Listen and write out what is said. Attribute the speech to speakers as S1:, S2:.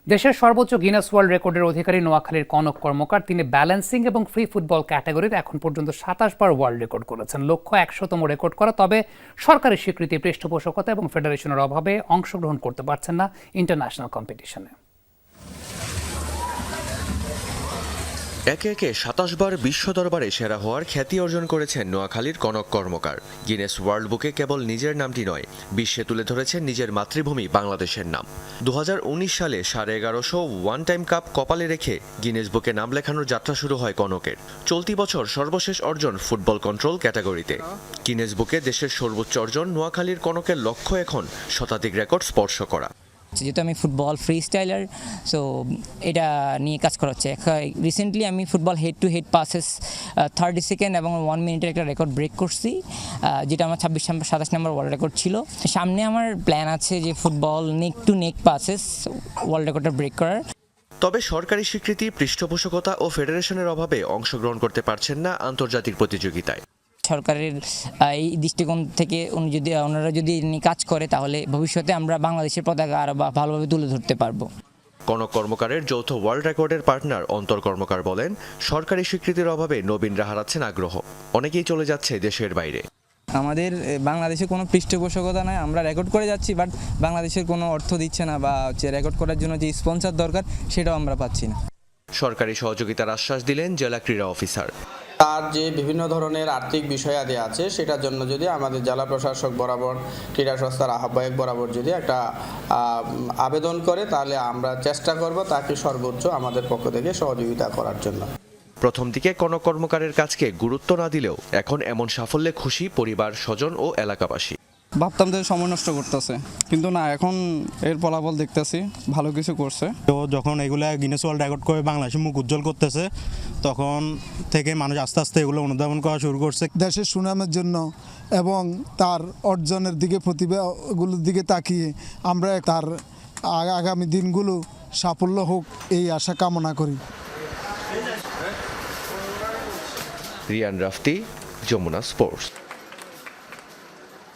S1: দেশের সর্বোচ্চ Guinness world রেকর্ডের অধিকারী নোয়াখালীর কনক কর্মকার, তিনি ব্যালেন্সিং এবং ফ্রি ফুটবল ক্যাটাগরিতে এখন পর্যন্ত ২৭ বার ওয়ার্ল্ড রেকর্ড করেছেন। লক্ষ্য ১০০তম রেকর্ড করা, তবে সরকারি স্বীকৃতি, পৃষ্ঠপোষকতা এবং ফেডারেশনের অভাবে অংশগ্রহণ করতে পারছেন না ইন্টারন্যাশনাল কম্পিটিশনে।
S2: একে একে ২৭ বার বিশ্ব দরবারে সেরা হওয়ার খ্যাতি অর্জন করেছেন নোয়াখালীর কনক কর্মকার। গিনেস ওয়ার্ল্ড বুকে কেবল নিজের নামটি নয়, বিশ্বে তুলে ধরেছেন নিজের মাতৃভূমি বাংলাদেশের নাম। ২০১৯ সালে ১১৫০ ওয়ান টাইম কাপ কপালে রেখে গিনেস বুকে নাম লেখানোর যাত্রা শুরু হয় কনকের। চলতি বছর সর্বশেষ অর্জন ফুটবল কন্ট্রোল ক্যাটাগরিতে। গিনেস বুকে দেশের সর্বোচ্চ অর্জন নোয়াখালীর কনকের লক্ষ্য এখন শতাধিক রেকর্ড স্পর্শ করা।
S3: যেহেতু আমি ফুটবল ফ্রি স্টাইলার, সো এটা নিয়ে কাজ করা হচ্ছে। রিসেন্টলি আমি football head to head passes 30 second এবং 1 মিনিটের একটা রেকর্ড ব্রেক করছি, যেটা আমার ২৭ নম্বর ওয়ার্ল্ড রেকর্ড ছিল। সামনে আমার প্ল্যান আছে যে football neck to neck passes world রেকর্ডটা ব্রেক করার।
S2: তবে সরকারি স্বীকৃতি, পৃষ্ঠপোষকতা ও ফেডারেশনের অভাবে অংশগ্রহণ করতে পারছেন না আন্তর্জাতিক প্রতিযোগিতায়।
S3: সরকারের এই দৃষ্টিকোণ থেকে ওনারা যদি কাজ করে, তাহলে ভবিষ্যতে আমরা বাংলাদেশের পতাকা আরও ভালোভাবে তুলে ধরতে পারবো।
S2: কনক কর্মকারের যৌথ ওয়ার্ল্ড রেকর্ডের পার্টনার অন্তর কর্মকার বলেন, সরকারি স্বীকৃতির অভাবে নবীনরা হারাচ্ছেন আগ্রহ, অনেকেই চলে যাচ্ছে দেশের বাইরে।
S4: আমাদের বাংলাদেশে কোনো পৃষ্ঠপোষকতা নাই, আমরা রেকর্ড করে যাচ্ছি, বাট বাংলাদেশের কোনো অর্থ দিচ্ছে না, বা রেকর্ড করার জন্য যে স্পন্সর দরকার সেটাও আমরা পাচ্ছি না।
S2: সরকারি সহযোগিতার আশ্বাস দিলেন জেলা ক্রীড়া অফিসার।
S5: তার যে বিভিন্ন ধরনের আর্থিক বিষয়াদি আছে, সেটার জন্য যদি আমাদের জেলা প্রশাসক বরাবর, ক্রীড়া সংস্থার আহ্বায়ক বরাবর যদি একটা আবেদন করে, তাহলে আমরা চেষ্টা করব তাকে সর্বোচ্চ আমাদের পক্ষ থেকে সহযোগিতা করার জন্য।
S2: প্রথম দিকে কনক কর্মকারের কাজকে গুরুত্ব না দিলেও এখন এমন সাফল্যে খুশি পরিবার, স্বজন ও এলাকাবাসী।
S6: ভাবতাম যে সময় নষ্ট করতেছে, কিন্তু না, এখন এর ফলাফল দেখতেছি ভালো কিছু করছে।
S7: তো যখন এগুলা গিনেস ওয়ার্ল্ড রেকর্ড করে বাংলাদেশের মুখ উজ্জ্বল করতেছে, তখন থেকে মানুষ আস্তে আস্তে এগুলো অনুধাবন করা শুরু করছে।
S8: দেশের সুনামের জন্য এবং তার অর্জনের দিকে, প্রতিভাগুলোর দিকে তাকিয়ে আমরা তার আগামী দিনগুলো সাফল্য হোক, এই আশা কামনা করি।
S2: রিয়ান রাফতি, যমুনা স্পোর্টস।